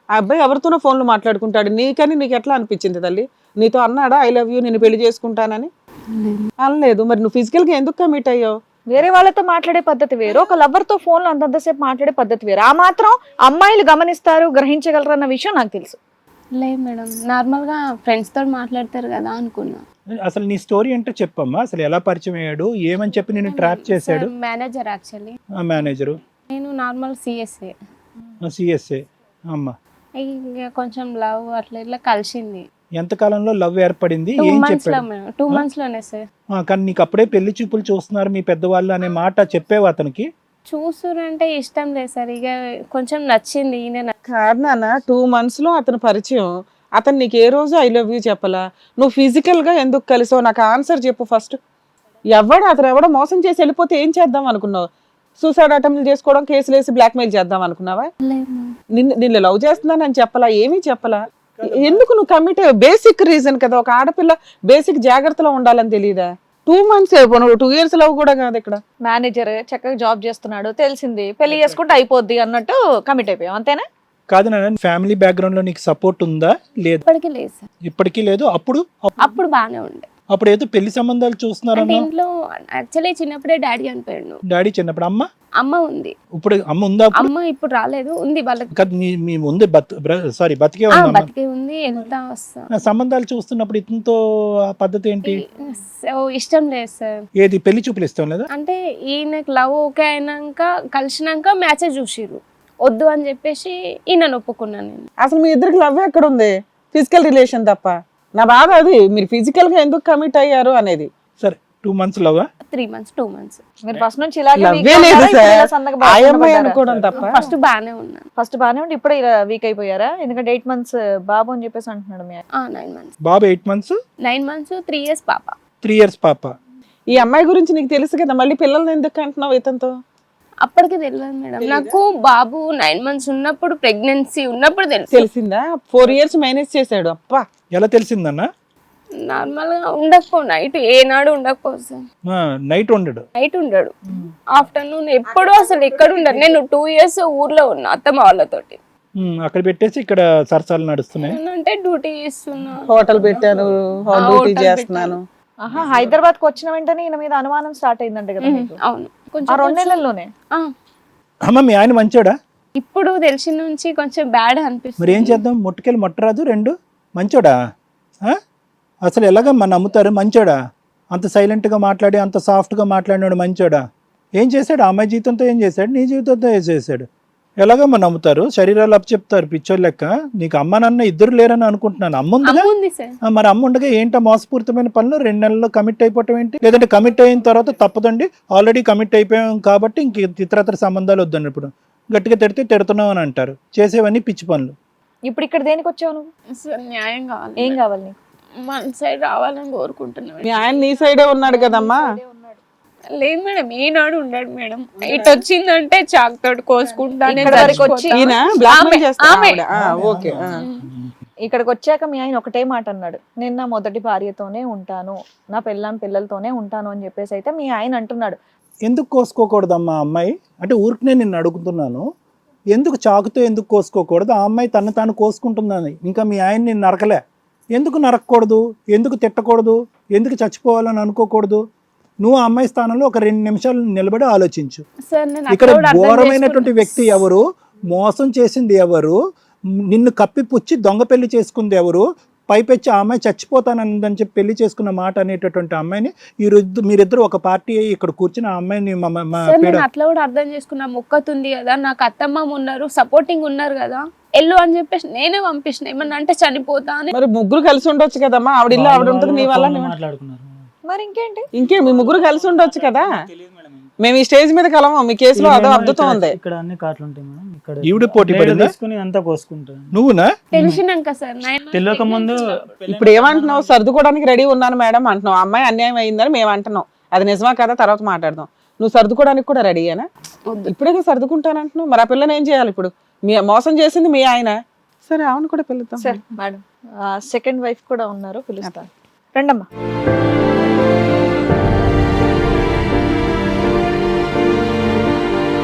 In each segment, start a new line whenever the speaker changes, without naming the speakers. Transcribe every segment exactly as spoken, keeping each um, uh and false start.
ఆ అబ్బాయి ఎవరితోనో ఫోన్లో మాట్లాడుకుంటాడు, నీకని నీకు ఎట్లా అనిపించింది తల్లి? నీతో అన్నాడా ఐ లవ్ యూ నేను పెళ్లి చేసుకుంటానని? అనలేదు. మరి నువ్వు ఫిజికల్ గా ఎందుకు కమిట్ అయ్యావు?
వేరే వాళ్ళతో మాట్లాడే పద్ధతి వేరు, ఒక లవర్ తో ఫోన్ లో అంతంతసేపు మాట్లాడే పద్ధతి వేరు. ఆ మాత్రం అమ్మాయిలు గమనిస్తారు, గ్రహించగలరు అన్న విషయం నాకు తెలుసు.
లేదు మేడం, నార్మల్ గా ఫ్రెండ్స్ తో మాట్లాడతారు కదా అనుకున్నా.
అసలు నీ స్టోరీ అంటే చెప్పమ్మా, అసలు ఎలా పరిచయం అయ్యాడు, ఏమని చెప్పి నేను ట్రాప్ చేశాడు?
Manager actually.
ఆ మేనేజరు
నేను నార్మల్ సిఎస్ఏ.
సిఎస్ఏ అమ్మా.
ఇంకా కొంచెం లవ్ అట్లా ఇట్లా కలిసింది.
ఎంత కాలంలో లవ్ ఏర్పడింది?
టూ
ఏం
మంత్స్ లో
చెప్పాడు?
మేడం, టూ మంత్స్ లోనే సార్.
ఆ, కానీ నీకు అప్పుడే పెళ్లి చూపులు చూస్తున్నారు మీ పెద్దవాళ్ళు అనే మాట చెప్పేవా అతనికి?
చూసురంటే ఇష్టం లేదు సార్, ఇక కొంచెం నచ్చింది ఈయన.
కారణాన టూ మంత్స్ లో అతని పరిచయం, అతను నీకు ఏ రోజు ఐ లవ్ యూ చెప్పలా? నువ్వు ఫిజికల్ గా ఎందుకు కలిసావు? నాకు ఆన్సర్ చెప్పు ఫస్ట్. ఎవడు అతను ఎవడో మోసం చేసి వెళ్ళిపోతే ఏం చేద్దాం అనుకున్నావు? సూసైడ్ అటెంప్ట్ చేసుకోవడం, కేసులు వేసి బ్లాక్మెయిల్ చేద్దాం అనుకున్నావా? నిన్ను నిన్ను లవ్ చేస్తున్నానని చెప్పలా, ఏమీ చెప్పలా. ఎందుకు నువ్వు కమిట్? బేసిక్ రీజన్ కదా, ఒక ఆడపిల్ల బేసిక్ జాగ్రత్తలో ఉండాలని తెలియదా? టూ మంత్స్ నువ్వు టూ ఇయర్స్ లవ్ కూడా కాదు. ఇక్కడ
మేనేజర్ చక్కగా జాబ్ చేస్తున్నాడు, తెలిసింది, పెళ్లి చేసుకుంటే అయిపోద్ది అన్నట్టు కమిట్ అయిపోయావు, అంతేనా?
కాదు నాన్న, ఫ్యామిలీ బ్యాక్గ్రౌండ్ లో నీకు సపోర్ట్ ఉందా? లేదు,
ఇప్పటికీ లేదు సార్.
ఇప్పటికీ లేదు. అప్పుడు
అప్పుడు బాగానే ఉండే.
అప్పుడు ఏదో పెళ్లి సంబంధాలు
అంటే
చూస్తున్నారన్నా?
ఇంట్లో యాక్చువల్లీ చిన్నప్పుడే డాడీ చనిపోయాడు.
డాడీ చిన్నప్పుడు. అమ్మ
అమ్మ ఉంది.
ఇప్పుడు అమ్మ ఉందా? అప్పుడు
అమ్మ ఇప్పుడు రాలేదు, ఉంది వాళ్ళకి.
కాదు, మీ మీ ఉంది సారీ బతికే
ఆ,
ఉందా?
బతికే ఉంది, వెళ్తా వస్తా.
నా సంబంధాలు చూస్తున్నప్పుడు ఇతనితో ఆ పద్ధతి ఏంటి?
సో ఇష్టం లేదు సార్.
ఏది పెళ్లి చూపులు ఇష్టం లేదా?
అంటే ఈయనకు లవ్ ఓకే అయినాక కలిసినాక మ్యాచెస్ చూసిర్రు, వద్దు అని చెప్పేసి ఈయనను ఒప్పుకున్నాను నేను.
అసలు మీ ఇద్దరికి లవ్ ఎక్కడ ఉంది? ఫిజికల్ రిలేషన్ తప్ప. నా బాధ అది, మీరు ఫిజికల్ గా ఎందుకు కమిట్ అయ్యారు అనేది.
సరే, టూ మంత్స్ లవ్వా?
త్రీ మంత్స్ టూ మంత్స్
మీరు ఫస్ట్ నుంచి ఇలాగే
లవ్వే లేదు సార్, ఆ అమ్మాయి అనుకోవడం తప్ప.
ఫస్ట్ బాగానే ఉన్నాను.
ఫస్ట్ బాగానే ఉండి ఇప్పుడు ఇలా వీక్ అయిపోయారా? ఎందుకంటే ఎయిట్ మంత్స్ బాబు అని చెప్పేసి అంటున్నాడు మీ ఆయన.
నైన్ మంత్స్
బాబు eight months
nine months three years పాప.
త్రీ ఇయర్స్ పాప.
ఈ అమ్మాయి గురించి నీకు తెలుసు కదా, మళ్ళీ పిల్లల్ని ఎందుకు అంటున్నావు ఇతనితో?
అప్పటికి తెలియదు మేడం నాకు. బాబు నైన్ మంత్స్ ఉన్నప్పుడు, ప్రెగ్నెన్సీ ఉన్నప్పుడు తెలుసు.
తెలిసిందా? ఫోర్ ఇయర్స్ మేనేజ్ చేశాడు. అప్పా,
ఎలా తెలిసిందన్నా?
నార్మల్ గా ఉండకపో, నైట్ ఏనాడు ఉండకపో సార్.
నైట్ ఉండడు.
నైట్ ఉండడు, ఆఫ్టర్నూన్ ఎప్పుడు అసలు ఎక్కడ ఉండడు. నేను టూ ఇయర్స్ ఊర్లో ఉన్నా అత్తమ్మ వాళ్ళతోటి.
ఉమ్, అక్కడ పెట్టేసి ఇక్కడ సరసాలు నడుస్తున్నాయి.
అంటే డ్యూటీ చేస్తున్నా,
హోటల్ పెట్టాను,
ఆ,
డ్యూటీ
హోటల్
చేస్తున్నాను.
ఆహా, హైదరాబాద్ కు వచ్చిన వెంటనే ఈయన మీద అనుమానం స్టార్ట్ అయిందంటే కదా మీకు?
అవును,
ఆ
కొంచెం
రెండు నెలల్లోనే.
ఆ,
అమ్మ మీ ఆయన మంచోడా?
ఇప్పుడు తెలిసిన నుంచి కొంచెం బ్యాడ్
మరి ఏం
అనిపిస్తుంది.
చేద్దాం? ముట్టుకెళ్ళి మొట్టరాదు రెండు. మంచోడా? ఆ? అసలు ఎలాగమ్మా నమ్ముతారు? మంచోడా? అంత సైలెంట్గా మాట్లాడి అంత సాఫ్ట్గా మాట్లాడినాడు మంచోడా? ఏం చేశాడు? ఆ అమ్మాయి జీవితంతో ఏం చేశాడు? నీ జీవితంతో ఏం చేశాడు? ఎలాగమ్మా నమ్ముతారు? శరీరాలు అప్పు చెప్తారు పిచ్చోళ్ళు లెక్క. నీకు అమ్మ నాన్న ఇద్దరు లేరని అనుకుంటున్నాను. అమ్మ ఉందిగా?
అమ్మ ఉంది సార్.
ఆ, మరి అమ్మ ఉండగా ఏంటో మోసపూరితమైన పనులు రెండు నెలల్లో కమిట్ అయిపోవటం ఏంటి? లేదంటే కమిట్ అయిన తర్వాత తప్పదండి, ఆల్రెడీ కమిట్ అయిపోయాం కాబట్టి ఇంక ఇతరత్ర సంబంధాలు వద్దండి. ఇప్పుడు గట్టిగా తిడితే తిడుతున్నావు అని అంటారు. చేసేవన్నీ పిచ్చి పనులు.
ఇప్పుడు ఇక్కడ దేనికి వచ్చావు నువ్వు?
సార్ న్యాయం కావాలి.
ఏం కావాలి నీకు?
మన సైడ్ రావాలని కోరుకుంటున్నాను.
మీ ఆయన నీ సైడే ఉన్నాడు కదమ్మా.
లేదు మేడం, ఈనాడు ఉండడు మేడం. ఇటు వచ్చిందంటే చాక్ తోటి కోసుకుంటా. నేను
ఇక్కడ వరకు వచ్చి
చచ్చిపోతా.
ఈయన బ్లాక్మెయిల్
ఆమె-
చేస్తాడు.
ఆమె.
ఆవిడ. ఆ, ఓకే. ఆ.
ఇక్కడికి వచ్చాక మీ ఆయన ఒకటే మాట అన్నాడు, నేను నా మొదటి భార్యతోనే ఉంటాను, నా పెళ్ళాం పిల్లలతోనే ఉంటాను అని చెప్పేసి అయితే మీ ఆయన అంటున్నాడు.
ఎందుకు కోసుకోకూడదమ్మా అమ్మాయి? అంటే ఊరికనే నిన్ను అడుగుతున్నాను, ఎందుకు చాకుతో ఎందుకు కోసుకోకూడదు? ఆ అమ్మాయి తను తాను కోసుకుంటుందని ఇంకా మీ ఆయన నిన్ను నరకలే. ఎందుకు నరకకూడదు? ఎందుకు తిట్టకూడదు? ఎందుకు చచ్చిపోవాలని అనుకోకూడదు? నువ్వు ఆ అమ్మాయి స్థానంలో ఒక రెండు నిమిషాలు నిలబడి ఆలోచించు.
సార్ నేను
ఇక్కడ
అక్కడ కూడా అర్థం
ఘోరమైనటువంటి
చేసుకున్నా.
వ్యక్తి ఎవరు? మోసం చేసింది ఎవరు? నిన్ను కప్పిపుచ్చి దొంగ పెళ్లి చేసుకుంది ఎవరు? పైపెచ్చి ఆ అమ్మాయి చచ్చిపోతానందని చెప్పి పెళ్లి చేసుకున్న మాట అనేటటువంటి అమ్మాయిని ఈ రోజు మీరిద్దరు ఒక పార్టీ అయ్యి ఇక్కడ కూర్చుని ఆ అమ్మాయిని మా- మా- మా
సార్
పీడ
నేను అట్లా కూడా అర్థం చేసుకున్నా. మొక్కతుంది కదా, నాకు అత్తమ్మ ఉన్నారు, సపోర్టింగ్ ఉన్నారు కదా, ఎల్లు అని చెప్పేసి నేనే పంపించిన. ఏమన్నా అంటే చనిపోతా అని.
మరి ముగ్గురు కలిసి ఉండొచ్చు కదమ్మా. ఆవిడ ఇల్లు ఆవిడ ఉంటుంది, నీ వల్ల నీ-
మాట్లాడుకున్నారు.
మరి ఇంకేంటి?
ఇంకే మీ ముగ్గురు కలిసి ఉండొచ్చు కదా. మేము ఈ స్టేజ్ మీద కలము, మీ కేసులో అదో అద్భుతం ఉంది.
ఇక్కడ అన్ని కాట్లు ఉంటాయి మేడం. ఇక్కడ
ఈవిడ పోటీ
బ్లేడ్
పడిందా?
తీసుకుని అంతా కోసుకుంటాను.
నువ్వునా?
తెలిసినాక సార్ నైన్
తెలియక ముందు
ఇప్పుడు ఏమంటున్నావు? సర్దుకోవడానికి రెడీ ఉన్నాను మేడం అంటున్నావు. అమ్మాయి అన్యాయం అయిందని మేము అంటున్నాం. అది నిజమా కదా తర్వాత మాట్లాడదాం. నువ్వు సర్దుకోవడానికి కూడా రెడీయేనా? ఇప్పుడే సర్దుకుంటానంటున్నావు. మరి ఆ పిల్లని ఏం చేయాలి ఇప్పుడు? మీ మోసం చేసింది మీ ఆయన. సరే అవును కూడా పిలుద్దాం.
సార్ మేడం, సెకండ్ వైఫ్ కూడా ఉన్నారు, పిలుస్తాను. రండమ్మా. ఆల్మోస్ట్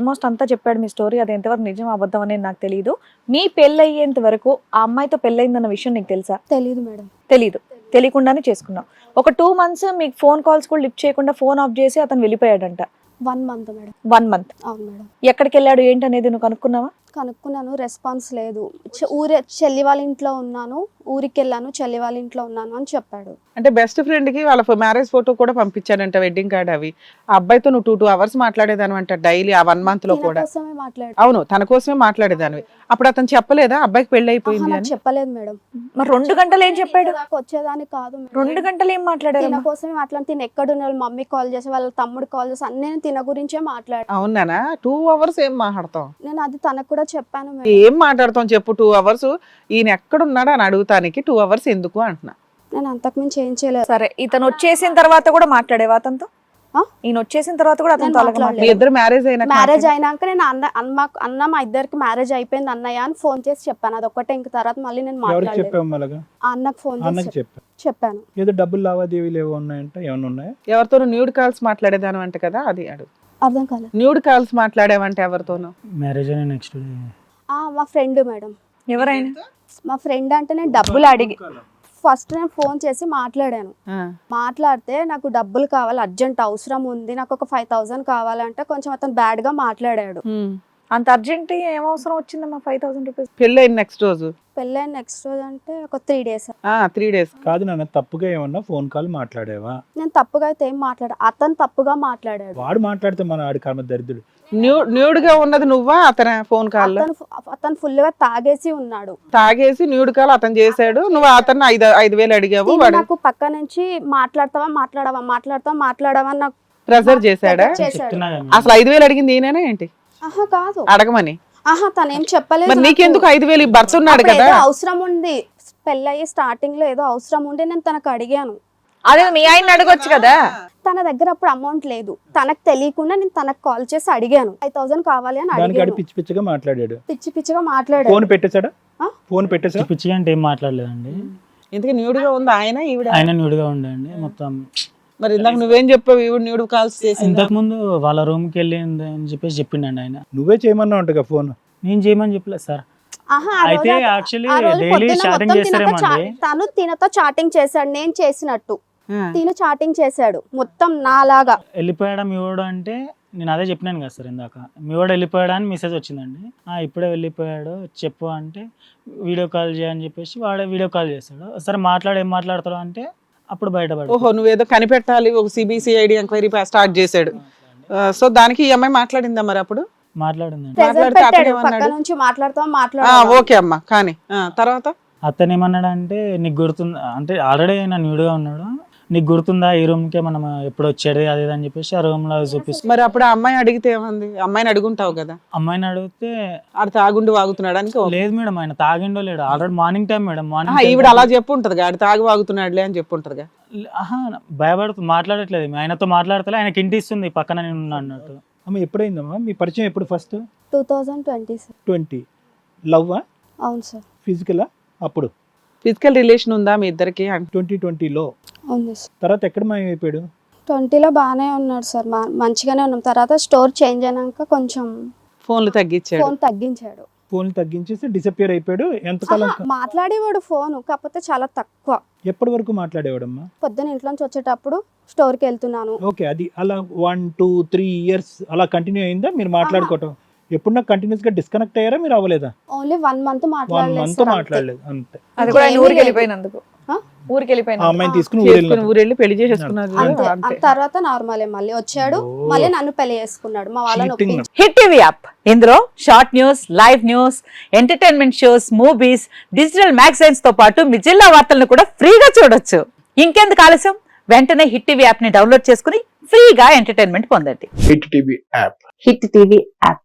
ఆల్మోస్ట్ అంతా చెప్పాడు మీ స్టోరీ. అది ఎంతవరకు నిజం అబద్ధం అనేది నాకు తెలియదు. మీ పెళ్ళి అయ్యేంత వరకు ఆ అమ్మాయితో పెళ్ళయిందన్న విషయం నీకు తెలుసా?
తెలీదు మేడం.
తెలీదు. తెలియకుండానే చేసుకున్నావు. ఒక టూ మంత్స్ మీకు ఫోన్ కాల్స్ కూడా లిఫ్ట్ చేయకుండా ఫోన్ ఆఫ్ చేసి అతను వెళ్ళిపోయాడంట.
One month madam.
One month
అవును మేడం.
ఎక్కడికి వెళ్ళాడు ఏంటి అనేది నువ్వు కనుక్కున్నావా?
కనుక్కున్నాను, రెస్పాన్స్ లేదు. చె- ఊరే చెల్లి వాళ్ళ ఇంట్లో ఉన్నాను, ఊరికి వెళ్ళాను, చెల్లి వాళ్ళ ఇంట్లో ఉన్నాను అని చెప్పాడు.
అంటే బెస్ట్ ఫ్రెండ్ కి వాళ్ళ మ్యారేజ్ ఫోటో కూడా పంపించాడంట, వెడ్డింగ్ కార్డ్ అవి. ఆ అబ్బాయితో నువ్వు టూ టూ అవర్స్ మాట్లాడేదాని అంట డైలీ ఆ వన్ మంత్ లో
ఈయన
కూడా.
కోసమే మాట్లాడు.
అవును, తన కోసమే మాట్లాడేదానివి. అప్పుడు అతను చెప్పలేదా అబ్బాయికి పెళ్లి
ఆహా,
అయిపోయింది
నాకు
అని?
చెప్పలేదు మేడం.
మరి రెండు గంటలు ఏం చెప్పాడు?
నాకు వచ్చేదాన్ని కాదు మేడం.
రెండు గంటలు ఏం మాట్లాడారు?
తిన కోసమే మాట్లాడి, తిన ఎక్కడున్న వాళ్ళ మమ్మీ కాల్ చేసి వాళ్ళ తమ్ముడు కాల్ చేసి అన్నీ నేను తిన గురించే మాట్లాడు.
అవునానా? టూ అవర్స్ ఏం మాట్లాడతాం?
నేను అది తనకు కూడా చెప్పాను మేడం.
ఏం మాట్లాడతాం చెప్పు? టూ అవర్స్ ఈయన ఎక్కడున్నాడు అని అడుగుతానికి టూ అవర్స్ ఎందుకు అంటున్నా.
నేను అంతకుమించి ఏం చేయలేదు.
సరే, ఇతను వచ్చేసిన తర్వాత కూడా మాట్లాడేవా అతనితో?
ఆ?
ఈయన వచ్చేసిన తర్వాత కూడా అతనితో అలాగే
మాట్లాడలేదు.
మీ ఇద్దరు మ్యారేజ్ అయినా
మ్యారేజ్ అయినాక నేను అన్న అన్న అన్న మా ఇద్దరికి మ్యారేజ్ అయిపోయింది అన్నయ్య అని ఫోన్ చేసి చెప్పాను. అది ఒక్కటే, ఇంక తర్వాత మళ్ళీ నేను
ఎవరికి
మాట్లాడలేదు.
చెప్పావు అలాగా?
ఆ అన్నకు ఫోన్
అన్నకి
చేసి
చెప్పా.
చెప్పాను.
ఏదో డబ్బులు లావాదేవీలు ఏవో ఉన్నాయంట, ఏమైనా ఉన్నాయా?
ఎవరితోనూ న్యూడ్ కాల్స్ మాట్లాడేదాను అంట కదా, అది అడుగు.
అర్థం కాలేదు.
న్యూడ్ కాల్స్ మాట్లాడేవంటే ఎవరితోనూ?
మ్యారేజ్ అయిన నెక్స్ట్ డే
ఆ, మా ఫ్రెండ్ మేడం.
ఎవరైనా?
మా ఫ్రెండ్ అంటే నేను డబ్బులు అడిగి ఫస్ట్ నేను ఫోన్ చేసి మాట్లాడాను.
ఆ.
మాట్లాడితే నాకు డబ్బులు కావాలి, అర్జెంట్ అవసరం ఉంది, నాకు ఒక ఫైవ్ థౌసండ్ కావాలంటే కొంచెం అతను బ్యాడ్ గా మాట్లాడాడు.
హ్మ్.
అంత అర్జెంట్ ఏం అవసరం వచ్చిందమ్మా ఫైవ్ థౌసండ్ రూపీస్?
పెళ్ళి అయిన నెక్స్ట్ రోజు
పెళ్ళైన నెక్స్ట్ రోజు అంటే ఒక త్రీ డేస్.
త్రీ డేస్
కాదు నాన్న, తప్పుగా ఏమన్నా ఫోన్ కాల్ మాట్లాడేవా?
నేను తప్పుగా అయితే ఏం మాట్లాడా, అతను తప్పుగా మాట్లాడాడు.
వాడు మాట్లాడితే మన ఆడి కర్మ దరిద్రుడు.
న్యూడ్ న్యూడ్ గా ఉన్నది నువ్వా అతను? ఫోన్ కాల్
అతను అతను ఫుల్ గా తాగేసి ఉన్నాడు.
తాగేసి న్యూడ్ కాల్ అతను చేశాడు, నువ్వు అతను ఐదు ఐదు వేలు అడిగావు,
తిను
వాడు
నాకు పక్క నుంచి మాట్లాడతావా మాట్లాడవా మాట్లాడతావా మాట్లాడవా అని నాకు
ప్రెజర్ చేశాడా?
చేశాడు.
చెప్తున్నా కదా
అసలు ఐదు వేలు అడిగింది ఈయనేనా ఏంటి
ఆహా కాదు,
అడగమని?
ఆహా తనేం చెప్పలేదు.
మరి
నాకు.
నీకెందుకు ఐదు వేలు? భర్త ఉన్నాడు
అప్పుడు
కదా.
ఏదో అవసరం ఉంది, పెళ్ళయి స్టార్టింగ్ లో ఏదో అవసరం ఉండి నేను తనకు అడిగాను.
అదే మీ ఆయన అడగొచ్చు కదా.
తన దగ్గర అప్పుడు అమౌంట్ లేదు, తనకు తెలియకుండా నేను తనకు కాల్ చేసి అడిగాను, ఫైవ్ థౌసండ్ కావాలి అని
దానికి ఆడి
అడిగాను.
పిచ్చి పిచ్చిగా మాట్లాడాడు.
పిచ్చి పిచ్చిగా మాట్లాడాడు.
ఫోన్ పెట్టేశాడా?
ఆ?
ఫోన్ పెట్టేసా?
పిచ్చిగా అంటే ఏం మాట్లాడలేదండి.
ఇంతకీ న్యూడ్ గా ఉంది ఆయన ఈవిడ?
ఆయన న్యూడ్గా ఉండండి మొత్తం.
మరి ఇందాక నువ్వేం చెప్పావు? ఈవిడ న్యూడ్ కాల్స్ చేసింది.
ఇంతకు ముందు వాళ్ళ రూమ్కి వెళ్ళింది అని చెప్పేసి చెప్పిండండి ఆయన.
నువ్వే చేయమన్నా ఉంటగా ఫోన్.
నేను చేయమని చెప్పలేదు సార్.
ఆహా, ఆ
అయితే
రోజు-
యాక్చువల్లీ
ఆ రోజు
డైలీ
పొద్దున్న
చాటింగ్
మొత్తం తినతో
చేస్తారేమండి.
చా- తను తినతో చాటింగ్ చేశాడు, నేను చేసినట్టు
ఆ.
తిన చాటింగ్ చేశాడు మొత్తం నాలాగా.
వెళ్ళిపోయాడా మీ వాడు అంటే నేను అదే చెప్పినాను కదా సార్ ఇందాక. మీ వాడు వెళ్ళిపోయాడా అని మెసేజ్ వచ్చిందండి. ఆ ఇప్పుడే వెళ్ళిపోయాడు చెప్పు అంటే వీడియో కాల్ చేయని చెప్పేసి వాడే వీడియో కాల్ చేస్తాడు. సరే మాట్లాడు, ఏం మాట్లాడతాడు అంటే అప్పుడు బయటపడు.
ఓహో, నువ్వేదో కనిపెట్టాలి, ఒక సిబిసిఐడి ఎంక్వైరీ స్టార్ట్ చేశాడు. సో దానికి ఈ అమ్మాయి మాట్లాడిందా మరి అప్పుడు?
మాట్లాడిందండి.
ప్రెజర్
మాట్లాడితే అతను
పెట్టాడు,
ఏమన్నాడు?
పక్క నుంచి మాట్లాడతాం
ఆ,
మాట్లాడాలి.
ఓకే అమ్మా, కానీ ఆ, తర్వాత
అతను ఏమన్నాడంటే నీకు గుర్తుందా అంటే ఆల్రెడీ ఆయన న్యూడ్గా ఉన్నాడు, నీకు గుర్తుందా ఈ రూమ్కే మనం ఎప్పుడు వచ్చేది అది ఇది అని చెప్పేసి ఆ రూమ్ లో చూపిస్తుంది.
మరి అప్పుడు ఆ అమ్మాయి అడిగితే ఏమంది? అమ్మాయిని అడుగుంటావు కదా.
అమ్మాయిని అడిగితే
ఆడ తాగుండి వాగుతున్నాడానికి ఓకే.
లేదు మేడం ఆయన తాగిండో లేడు. Already morning time madam.
ఆహా,
మార్నింగ్
ఈవిడ అలా చెప్పు ఉంటది, ఆడ తాగి వాగుతున్నాడులే అని చెప్పు ఉంటదిగా.
ఆహా భయపడుతూ మాట్లాడట్లేదు, ఆయనతో మాట్లాడతలే, ఆయనకి ఇంటి ఇస్తుంది పక్కన నేను ఉన్నా అన్నట్టు.
అమ్మ ఎప్పుడైందమ్మా మీ పరిచయం? ఎప్పుడు? First
two thousand twenty sir.
Twenty లవ్వా
అవును సార్.
ఫిజికలా? అప్పుడు
ఫిజికల్ రిలేషన్ ఉందా మీ ఇద్దరికి?
ట్వంటీ ట్వంటీలో.
అవును సార్.
తర్వాత ఎక్కడ మాయమైపోయాడు?
ట్వంటీలో బాగానే ఉన్నాడు సార్, మా- మంచిగానే ఉన్నాం. తర్వాత స్టోర్ చేంజ్ అయినాక కొంచెం
ఫోన్లు తగ్గించాడు.
ఫోన్ తగ్గించాడు.
ఫోన్ తగ్గించేసి డిసప్పియర్ అయిపోయాడు. ఎంతకాలం?
ఆహా, మాట్లాడేవాడు ఫోన్, కాకపోతే చాలా తక్కువ.
ఎప్పటి వరకు మాట్లాడేవాడమ్మా?
పొద్దున్న ఇంట్లో నుంచి వచ్చేటప్పుడు స్టోర్కి వెళ్తున్నాను.
ఓకే, అది అలా వన్ టూ త్రీ ఇయర్స్ అలా కంటిన్యూ అయిందా మీరు మాట్లాడుకోవటం? ఎప్పుడన్నా కంటిన్యూస్ గా డిస్కనెక్ట్ అయ్యారా మీరు? అవ్వలేదా?
ఓన్లీ వన్ మంత్
వన్
మాట్లాడలేదు
మంత్
సార్, అంతే.
మాట్లాడలేదు అంతే.
అది కూడా ఆయన
ఇంకేమీ
ఊరికి
లేదు.
వెళ్ళిపోయినందుకు.
ఆ?
ఊరికి
ఆ
వెళ్ళిపోయినందుకు.
అమ్మాయిని తీసుకుని
చేసుకుని
ఊరెళ్ళి
ఊరెళ్ళి పెళ్లి చేసేసుకున్నారు.
అంతే.
అంతే.
ఆ తర్వాత నార్మలే, మళ్ళీ వచ్చాడు,
ఓ.
మళ్ళీ నన్ను పెళ్లి చేసుకున్నాడు. మా వాళ్ళని
Cheating.
ఒప్పించి
హిట్ టీవీ యాప్ ఇందులో short news, live news, entertainment shows, movies, digital magazines తో పాటు మీ జిల్లా వార్తలను కూడా ఫ్రీగా చూడొచ్చు. ఇంకెందుకు ఆలస్యం, వెంటనే హిట్ టీవీ యాప్ ని డౌన్లోడ్ చేసుకుని ఫ్రీగా ఎంటర్టైన్మెంట్ పొందండి.
Hit TV app.
Hit TV app.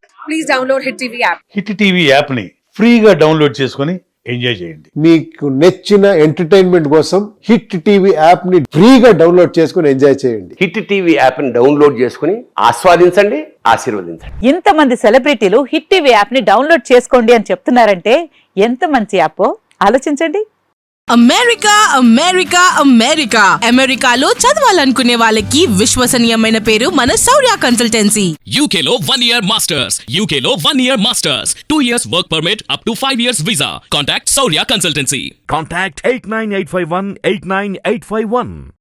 Hit TV యాప్ని ఫ్రీగా డౌన్లోడ్ చేసుకొని ఎంజాయ్ చేయండి.
మీకు నచ్చిన ఎంటర్టైన్మెంట్ కోసం హిట్ టీవీ యాప్ ని ఫ్రీగా డౌన్లోడ్ చేసుకుని ఎంజాయ్ చేయండి.
హిట్ టీవీ యాప్ని డౌన్లోడ్ చేసుకుని ఆస్వాదించండి, ఆశీర్వదించండి.
ఇంతమంది సెలబ్రిటీలు హిట్ టీవీ యాప్ ని డౌన్లోడ్ చేసుకోండి అని చెప్తున్నారంటే ఎంత మంచి యాప్ ఆలోచించండి.
అమెరికా అమెరికా అమెరికా అమెరికాలో చదవాలనుకునే వాళ్ళకి విశ్వసనీయమైన పేరు మన శౌర్య కన్సల్టెన్సీ.
యూకేలో వన్ ఇయర్ మాస్టర్స్ యూకేలో one year masters two years work permit up to five years visa. Contact Shaurya consultancy.
Contact eight nine eight five one eight nine eight five one.